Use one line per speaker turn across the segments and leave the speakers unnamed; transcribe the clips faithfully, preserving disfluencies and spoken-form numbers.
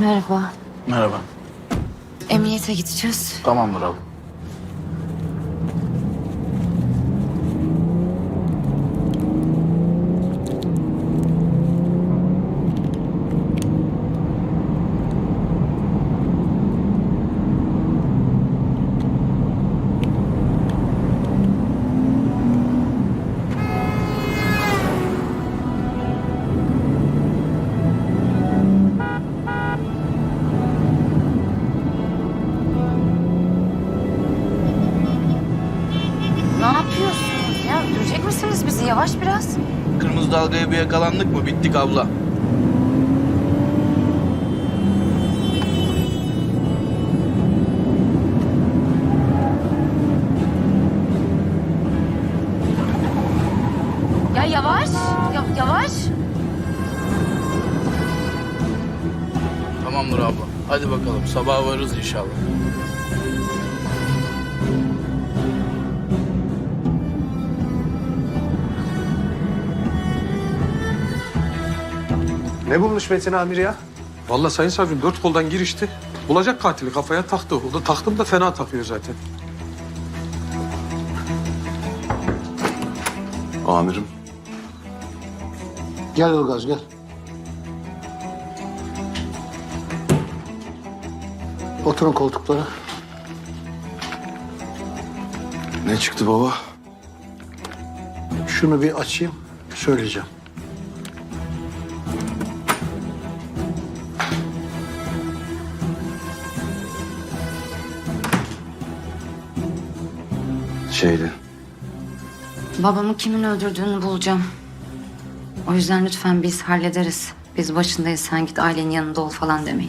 Merhaba.
Merhaba.
Emniyete gideceğiz.
Tamamdır abi.
Ne yapıyorsunuz ya? Öldürecek misiniz bizi? Yavaş biraz.
Kırmızı dalgaya bir yakalandık mı bittik abla.
Ya yavaş. Ya, yavaş.
Tamamdır abla. Hadi bakalım sabah varırız inşallah.
Ne bulmuş Metin Amir ya?
Vallahi Sayın Savcım dört koldan girişti. Bulacak katili kafaya taktı. O da taktım da fena takıyor zaten.
Amirim.
Gel Ilgaz gel. Oturun koltuklara.
Ne çıktı baba?
Şunu bir açayım, söyleyeceğim.
Şeydi.
Babamı kimin öldürdüğünü bulacağım. O yüzden lütfen biz hallederiz. Biz başındayız, sen git ailenin yanında ol falan demeyin.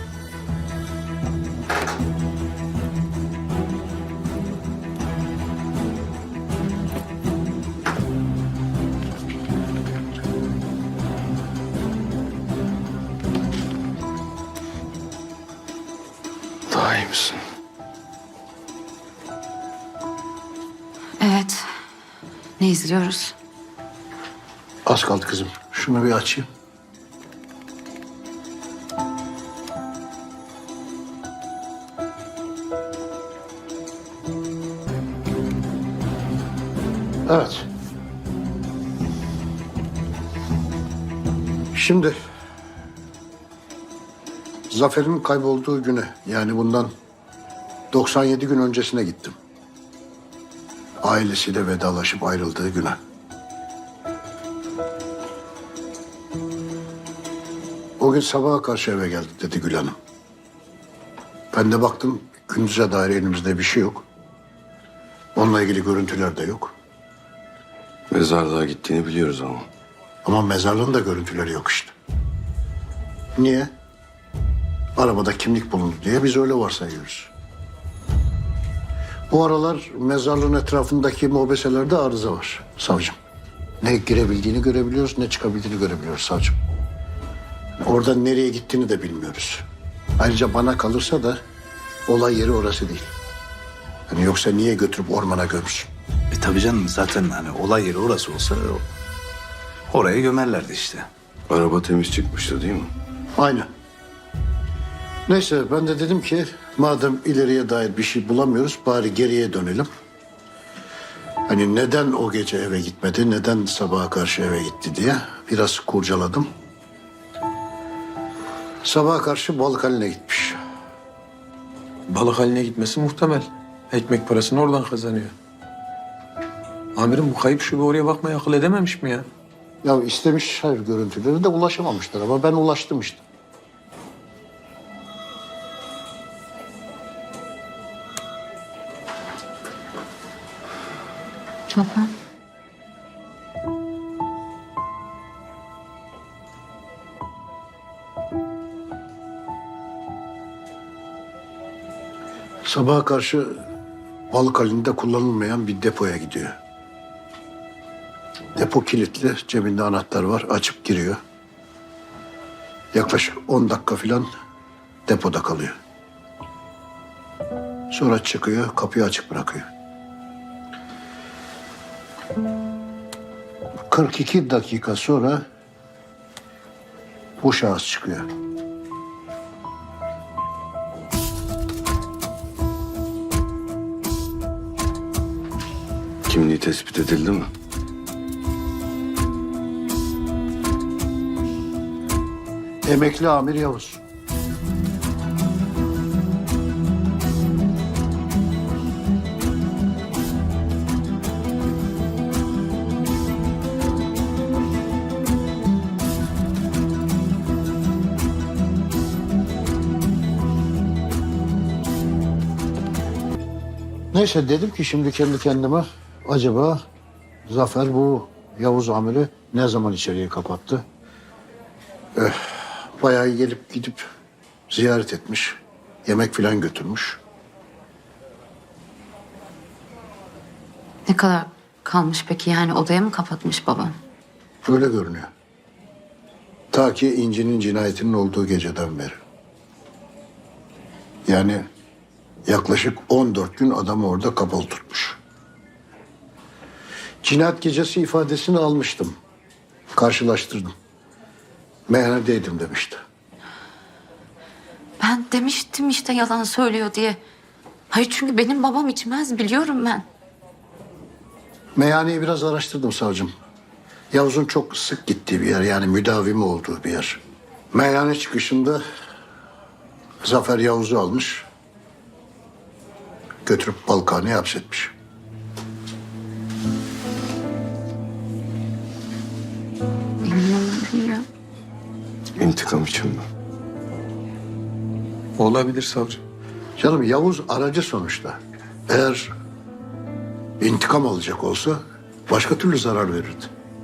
Daha iyi misin?
Evet. Ne izliyoruz?
Az kaldı kızım. Şunu bir açayım. Evet. Şimdi Zafer'in kaybolduğu güne, yani bundan doksan yedi gün öncesine gittim. Ailesiyle vedalaşıp ayrıldığı güne. O gün sabaha karşı eve geldi dedi Gül Hanım. Ben de baktım gündüze dair elimizde bir şey yok. Onunla ilgili görüntüler de yok.
Mezarlığa gittiğini biliyoruz ama.
Ama mezarlığın da görüntüleri yok işte. Niye? Arabada kimlik bulundu diye biz öyle varsayıyoruz. Bu aralar mezarlığın etrafındaki mobeselerde arıza var savcım. Ne girebildiğini görebiliyoruz, ne çıkabildiğini görebiliyoruz savcım. Oradan nereye gittiğini de bilmiyoruz. Ayrıca bana kalırsa da olay yeri orası değil. Yani yoksa niye götürüp ormana gömsün?
E tabii canım, zaten hani olay yeri orası olsa o- oraya gömerlerdi işte.
Araba temiz çıkmıştı değil mi?
Aynen. Neyse ben de dedim ki madem ileriye dair bir şey bulamıyoruz bari geriye dönelim. Hani neden o gece eve gitmedi, neden sabaha karşı eve gitti diye biraz kurcaladım. Sabaha karşı balık haline gitmiş.
Balık haline gitmesi muhtemel. Ekmek parasını oradan kazanıyor. Amirim bu kayıp şube oraya bakmaya akıl edememiş mi ya?
Ya istemiş hayır görüntüleri de ulaşamamışlar ama ben ulaştım işte.
Tamam.
Sabaha karşı balık halinde kullanılmayan bir depoya gidiyor. Depo kilitli, cebinde anahtar var, açıp giriyor. Yaklaşık on dakika falan depoda kalıyor. Sonra çıkıyor, kapıyı açık bırakıyor. kırk iki dakika sonra bu şahıs çıkıyor.
şey tespit edildi mi?
Emekli amir Yavuz. Neyse dedim ki şimdi kendi kendime acaba Zafer bu Yavuz amiri ne zaman içeriye kapattı? Eh, bayağı gelip gidip ziyaret etmiş. Yemek filan götürmüş.
Ne kadar kalmış peki, yani odaya mı kapatmış babam?
Öyle görünüyor. Ta ki İnci'nin cinayetinin olduğu geceden beri. Yani yaklaşık on dört gün adamı orada kapalı tutmuş. Cinayet gecesi ifadesini almıştım. Karşılaştırdım. Meyhanedeydim demişti.
Ben demiştim işte yalan söylüyor diye. Hayır, çünkü benim babam içmez, biliyorum ben.
Meyhaneyi biraz araştırdım savcım. Yavuz'un çok sık gittiği bir yer, yani müdavimi olduğu bir yer. Meyhane çıkışında Zafer Yavuz'u almış, götürüp Balkan'a hapsetmiş.
Bilmiyorum, bilmiyorum.
İntikam için mi?
Olabilir savcı.
Canım Yavuz aracı sonuçta. Eğer intikam alacak olsa başka türlü zarar verirdi.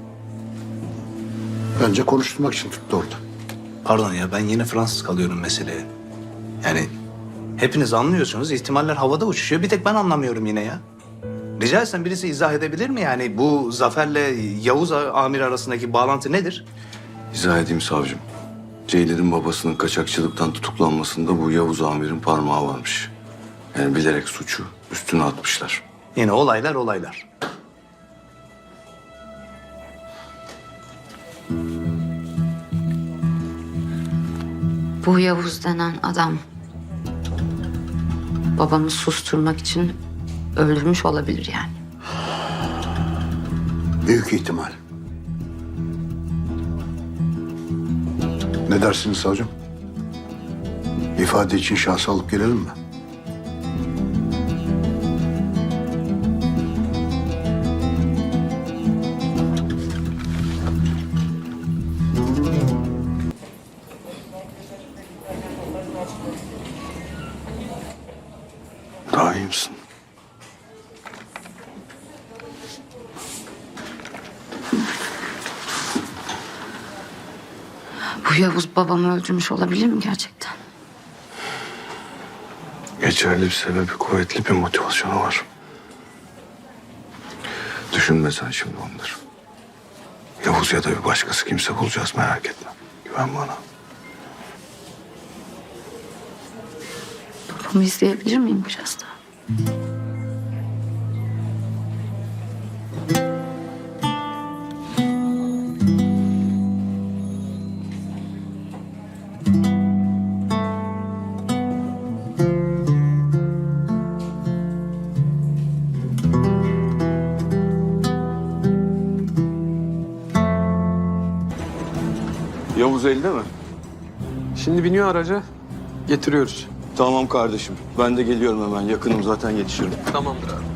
Bence konuşturmak için tuttu orada.
Pardon ya, ben yine Fransız kalıyorum meseleye. Yani hepiniz anlıyorsunuz, ihtimaller havada uçuşuyor. Bir tek ben anlamıyorum yine ya. Rica etsem birisi izah edebilir mi yani? Bu Zafer'le Yavuz amir arasındaki bağlantı nedir?
İzah edeyim savcım. Ceylin'in babasının kaçakçılıktan tutuklanmasında bu Yavuz amirin parmağı varmış. Yani bilerek suçu üstüne atmışlar.
Yine olaylar olaylar.
Bu Yavuz denen adam babamı susturmak için öldürmüş olabilir yani.
Büyük ihtimal. Ne dersiniz savcım? İfade için şahsı alıp gelelim mi?
Daha iyi misin?
Bu Yavuz babamı öldürmüş olabilir mi gerçekten?
Geçerli bir sebebi, kuvvetli bir motivasyonu var. Düşünme sen şimdi onları. Yavuz ya da bir başkası kimse bulacağız, merak etme. Güven bana.
Babamı izleyebilir miyim biraz daha?
Yavuz elde mi?
Şimdi biniyor araca, getiriyoruz.
Tamam kardeşim. Ben de geliyorum hemen. Yakınım zaten, yetişirim.
Tamamdır abi.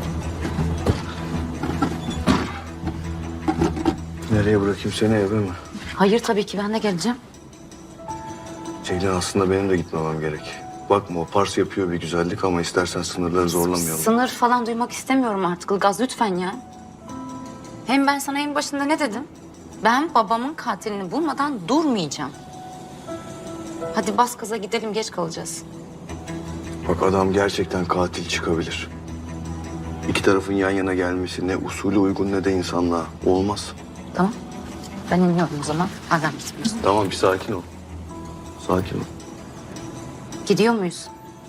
Nereye bırakayım seni, eve mi?
Hayır, tabii ki ben de geleceğim.
Ceylin, aslında benim de gitmemem gerek. Bakma, o Pars yapıyor bir güzellik ama istersen sınırları zorlamayalım.
Sınır falan duymak istemiyorum artık Ilgaz, lütfen ya. Hem ben sana en başında ne dedim? Ben babamın katilini bulmadan durmayacağım. Hadi bas gaza gidelim, geç kalacağız.
Bak, adam gerçekten katil çıkabilir. İki tarafın yan yana gelmesi ne usulü uygun ne de insanlığa. Olmaz.
Tamam. Ben iniyorum o zaman. Hala gitmiyorsun.
Tamam, bir sakin ol. Sakin ol.
Gidiyor muyuz?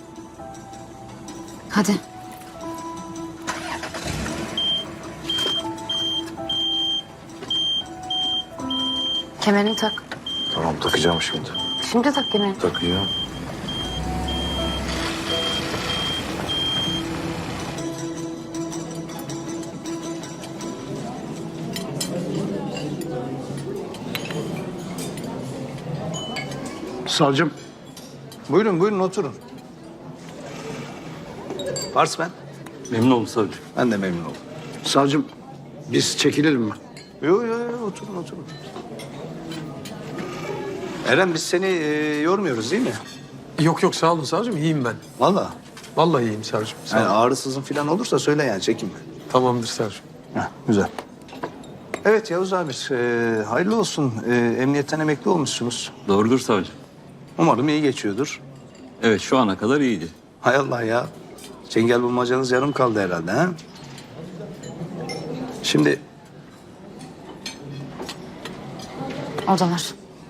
Hadi. Kemerini tak.
Tamam, takacağım şimdi.
Şimdi tak kemerini.
Takacağım.
Savcım,
Buyurun buyurun oturun. Pars ben.
Memnun oldum savcım.
Ben de memnun oldum.
savcım biz çekilelim mi?
Yok yok yo, oturun oturun. Eren biz seni e, yormuyoruz değil mi?
Yok yok sağ olun savcım iyiyim ben.
Vallahi.
Vallahi iyiyim savcım. Sağ
Yani
olun.
ağrısızın falan olursa söyle yani çekinme.
Tamamdır savcım.
Heh, güzel. Evet Yavuz Amir, e, hayırlı olsun. E, emniyetten emekli olmuşsunuz.
Doğrudur savcım.
Umarım iyi geçiyordur.
Evet şu ana kadar iyiydi.
Hay Allah ya. Çengel bulmacanız yarım kaldı herhalde ha? Şimdi
Odalar.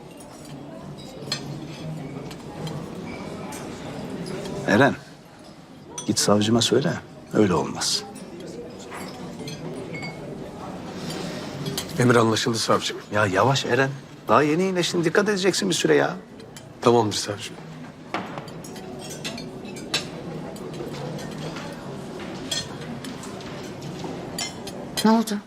Eren, git savcıma söyle. Öyle olmaz.
Emir anlaşıldı savcım.
Ya yavaş Eren. Daha yeni iyileştin. Dikkat edeceksin bir süre ya.
Tamamdır savcım.
Ne oldu?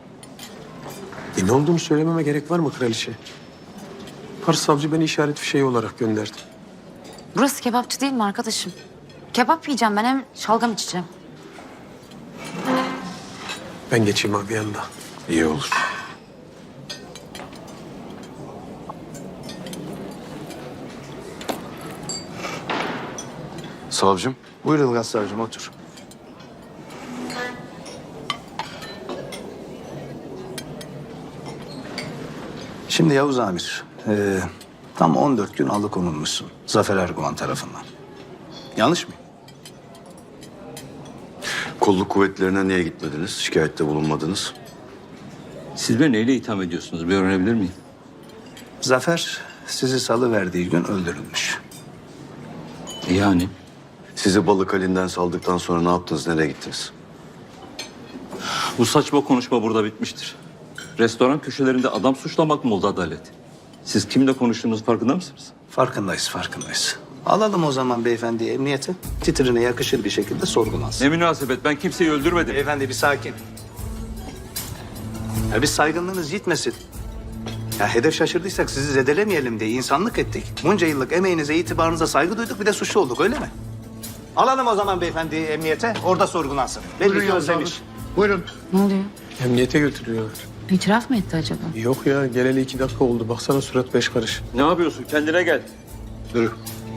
E ne olduğunu söylememe gerek var mı kraliçe? Pars savcı beni işaret fişeği olarak gönderdi.
Burası kebapçı değil mi arkadaşım? Kebap yiyeceğim ben hem şalgam içeceğim.
Ben geçeyim abi yanına.
İyi olur. Savcım,
Buyur Ilgaz savcım otur. Şimdi Yavuz Amir, e, tam on dört gün alıkonulmuşsun Zafer Erguvan tarafından. Yanlış mı?
kolluk kuvvetlerine niye gitmediniz? Şikayette bulunmadınız.
Siz beni neyle itham ediyorsunuz? Bir öğrenebilir miyim?
Zafer sizi salıverdiği gün öldürülmüş.
Yani
Sizi balık halinden saldıktan sonra ne yaptınız, nereye gittiniz?
bu saçma konuşma burada bitmiştir. Restoran köşelerinde adam suçlamak mı oldu adalet? Siz kimle konuştuğunuz farkında mısınız?
Farkındayız, farkındayız. Alalım o zaman beyefendiyi emniyete. Titrine yakışır bir şekilde sorgulansın.
Ne münasebet, ben kimseyi öldürmedim.
Beyefendi bir sakin. Ya biz saygınlığınız gitmesin. Ya hedef şaşırdıysak sizi zedelemeyelim diye insanlık ettik. Bunca yıllık emeğinize, itibarınıza saygı duyduk bir de suçlu olduk öyle mi? Alalım o zaman beyefendiyi emniyete, orada sorgulansın. Belli
Buyurun
ki
Yavuz
özlemiş.
abi. Buyurun.
Ne oluyor?
Emniyete götürüyorlar.
İtiraf mı etti acaba?
Yok ya geleli iki dakika oldu. Baksana surat beş karış.
Ne yapıyorsun? Kendine gel.
Yürü.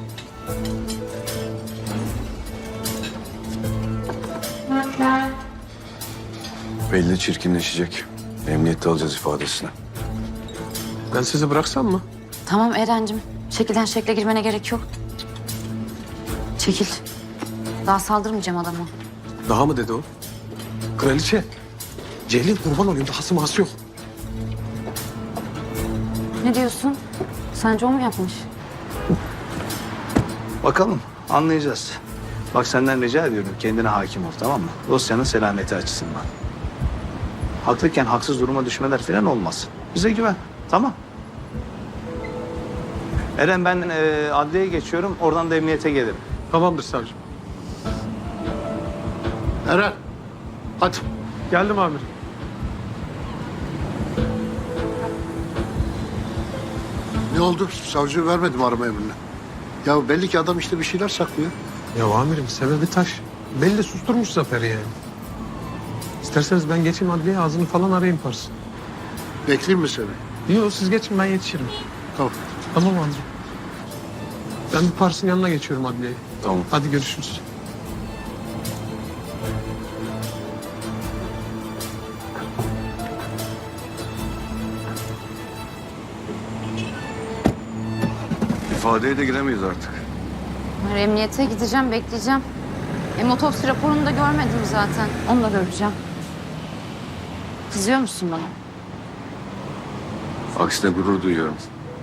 Belli çirkinleşecek. Emniyette alacağız ifadesini.
Ben sizi bıraksam mı?
Tamam Eren'cim. Şekilden şekle girmene gerek yok. Çekil. Daha saldırmayacağım adama.
Daha mı dedi o? Kraliçe. Celil kurban olayım. Dahası mahası yok.
Ne diyorsun? Sence o mu yapmış?
Bakalım, anlayacağız. Bak senden rica ediyorum kendine hakim ol tamam mı? Dosyanın selameti açısından. Haklıyken haksız duruma düşmeler falan olmaz. Bize güven, tamam. Eren ben e, adliyeye geçiyorum, oradan da emniyete gelirim.
Tamamdır savcım.
Eren, hadi.
Geldim amirim.
Ne oldu? Savcı vermedi mi arama emrini? Ya belli ki adam işte bir şeyler saklıyor.
Ya amirim sebebi taş. Belli susturmuş Zafer'i yani. İsterseniz ben geçeyim adliyeye ağzını falan arayayım Pars.
Bekleyeyim mi seni?
Yok siz geçin ben yetişirim.
Tamam.
Tamam amirim. Ben bir Pars'ın yanına geçiyorum adliyeye.
Tamam.
Hadi görüşürüz.
İfadeye de giremeyiz artık.
Ben emniyete gideceğim, bekleyeceğim. Hem otopsi raporunu da görmedim zaten. Onu da göreceğim. Kızıyor musun bana?
Aksine gurur duyuyorum.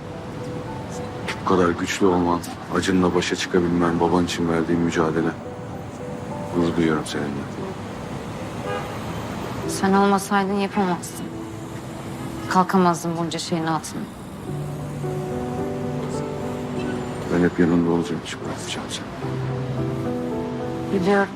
Bu kadar güçlü olman, acınla başa çıkabilmen, baban için verdiğin mücadele. Gurur duyuyorum seninle.
Sen olmasaydın yapamazdın. Kalkamazdın bunca şeyin altına.
Ben hep yanında olacağım, hiç bırakmayacağım seni.
Biliyorum.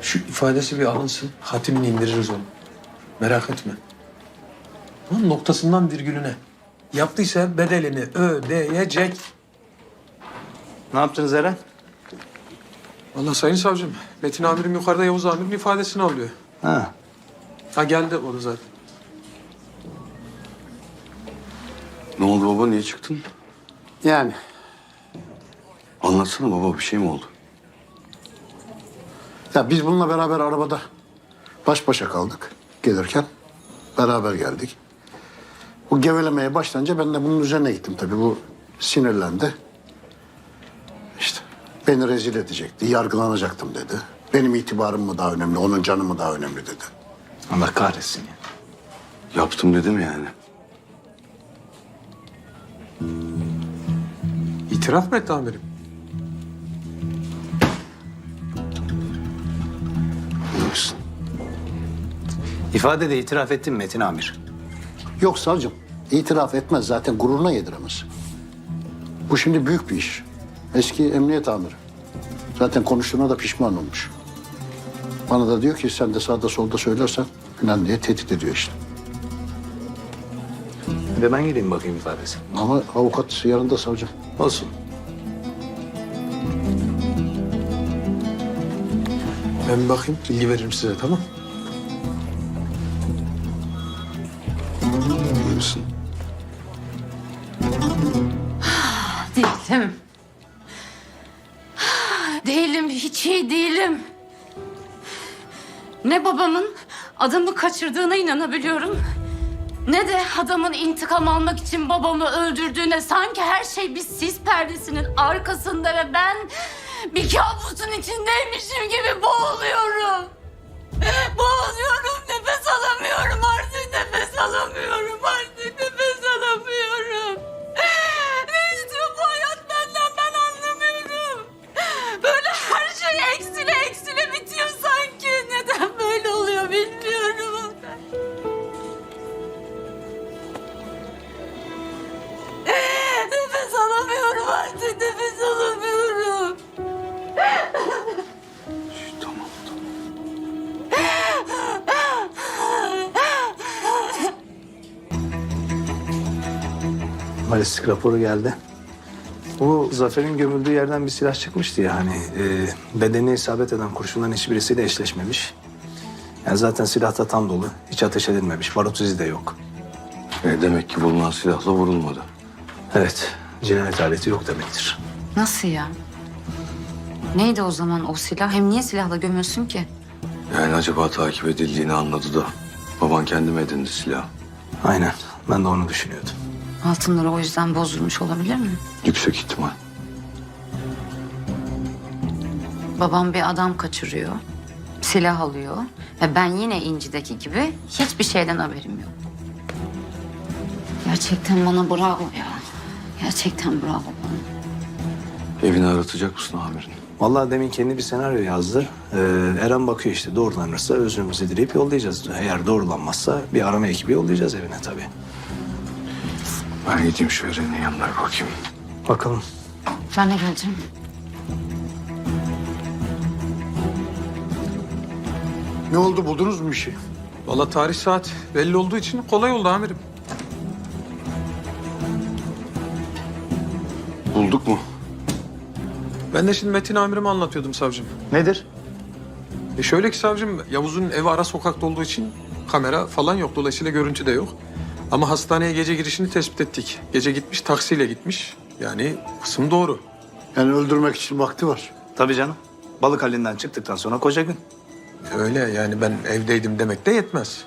Şu ifadesi bir alınsın. Hatimini indiririz onu. Merak etme. Onun noktasından virgülüne. Yaptıysa bedelini ödeyecek.
Ne yaptınız Eren?
Vallahi sayın savcım, Metin amirim yukarıda Yavuz amirin ifadesini alıyor.
Ha.
Ha geldi o da zaten.
Ne oldu baba, niye çıktın?
Yani
Anlatsana baba, bir şey mi oldu?
ya biz bununla beraber arabada baş başa kaldık gelirken. Beraber geldik. Bu gevelemeye başlayınca ben de bunun üzerine gittim tabii. Bu sinirlendi. İşte beni rezil edecekti, yargılanacaktım dedi. Benim itibarım mı daha önemli, onun canı mı daha önemli dedi.
Allah kahretsin ya.
Yaptım dedi mi yani?
İtiraf mı etti amirim?
Bilirsin.
İfadede itiraf ettin mi Metin amir?
Yok savcım, itiraf etmez zaten, gururuna yediremez. Bu şimdi büyük bir iş. Eski emniyet amiri. Zaten konuştuğuna da pişman olmuş. Bana da diyor ki sen de sağda solda söylersen falan diye tehdit ediyor işte.
Bir de ben geleyim bakayım ifadesi.
Ama avukat yanında savcım.
Olsun.
Ben bir bakayım, bilgi veririm size, tamam?
Bilirsin.
Değilim. Değilim, hiç iyi değilim. Ne babamın adamı kaçırdığına inanabiliyorum, ne de adamın intikam almak için babamı öldürdüğüne. Sanki her şey bir sis perdesinin arkasında ve ben bir kabusun içindeymişim gibi boğuluyorum. Boğuluyorum, nefes alamıyorum artık, nefes alamıyorum artık, nefes alamıyorum. Ne istiyor bu hayat benden, ben anlamıyorum. Böyle her şey eksile eksile bitiyor sanki. Neden böyle oluyor bilmiyorum. Nefes alamıyorum artık, nefes alamıyorum.
Tamam, tamam.
Balistik raporu geldi. Bu Zafer'in gömüldüğü yerden bir silah çıkmıştı ya hani. E, bedenine isabet eden kurşunların hiçbirisiyle eşleşmemiş. Yani zaten silah da tam dolu. Hiç ateş edilmemiş. Barut izi de yok.
E, demek ki bulunan silahla vurulmadı.
Evet. Cinayet aleti yok demektir.
Nasıl ya? Neydi o zaman o silah? Hem niye silahla gömüyorsun ki?
Yani acaba takip edildiğini anladı da baban kendi mi edindi silahı?
Aynen. Ben de onu düşünüyordum.
Altınları o yüzden bozulmuş olabilir mi?
Yüksek ihtimal.
Babam bir adam kaçırıyor, silah alıyor ve ben yine İnci'deki gibi hiçbir şeyden haberim yok. Gerçekten bana bravo ya. Gerçekten bravo bana.
Evini aratacak mısın amirin?
Vallahi demin kendi bir senaryo yazdı. Ee, Eren bakıyor işte doğrulanırsa özrümüzü dileyip yollayacağız. Eğer doğrulanmazsa bir arama ekibi yollayacağız evine tabii.
Ben gideyim şu Eren'in yanına bir bakayım.
Bakalım.
Ben de geleceğim.
Ne oldu, buldunuz mu bir şey?
Vallahi tarih saat belli olduğu için kolay oldu amirim.
Bulduk mu?
Ben de şimdi Metin amirime anlatıyordum savcım.
Nedir?
E şöyle ki savcım, Yavuz'un evi ara sokakta olduğu için kamera falan yok. Dolayısıyla görüntü de yok. Ama hastaneye gece girişini tespit ettik. Gece gitmiş, taksiyle gitmiş. Yani kısım doğru.
Yani öldürmek için vakti var.
Tabii canım. Balık halinden çıktıktan sonra koca gün.
Öyle yani, ben evdeydim demek de yetmez.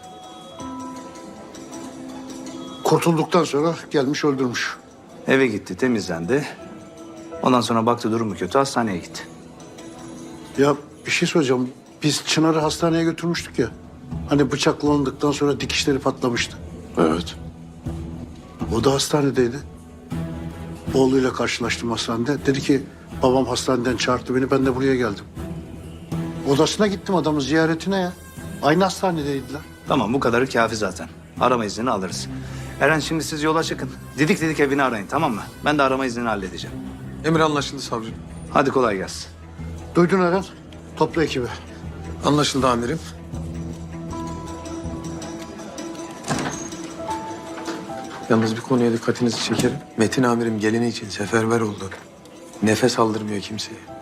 Kurtulduktan sonra gelmiş öldürmüş.
Eve gitti, temizlendi. Ondan sonra baktı durumu kötü, hastaneye gitti.
Ya bir şey söyleyeceğim. Biz Çınar'ı hastaneye götürmüştük ya. Hani bıçaklandıktan sonra dikişleri patlamıştı.
Evet.
O da hastanedeydi. Oğluyla karşılaştım hastanede. Dedi ki babam hastaneden çağırdı beni, ben de buraya geldim. Odasına gittim adamın ziyaretine ya. Aynı hastanedeydiler.
Tamam, bu kadarı kafi zaten. Arama iznini alırız. Eren şimdi siz yola çıkın. Didik didik evini arayın, tamam mı? Ben de arama iznini halledeceğim.
Emir anlaşıldı savcım.
Hadi kolay gelsin.
Duydun Eren. Topla ekibi.
Anlaşıldı amirim. Yalnız bir konuya dikkatinizi çekerim. Metin amirim gelini için seferber oldu. Nefes aldırmıyor kimseye.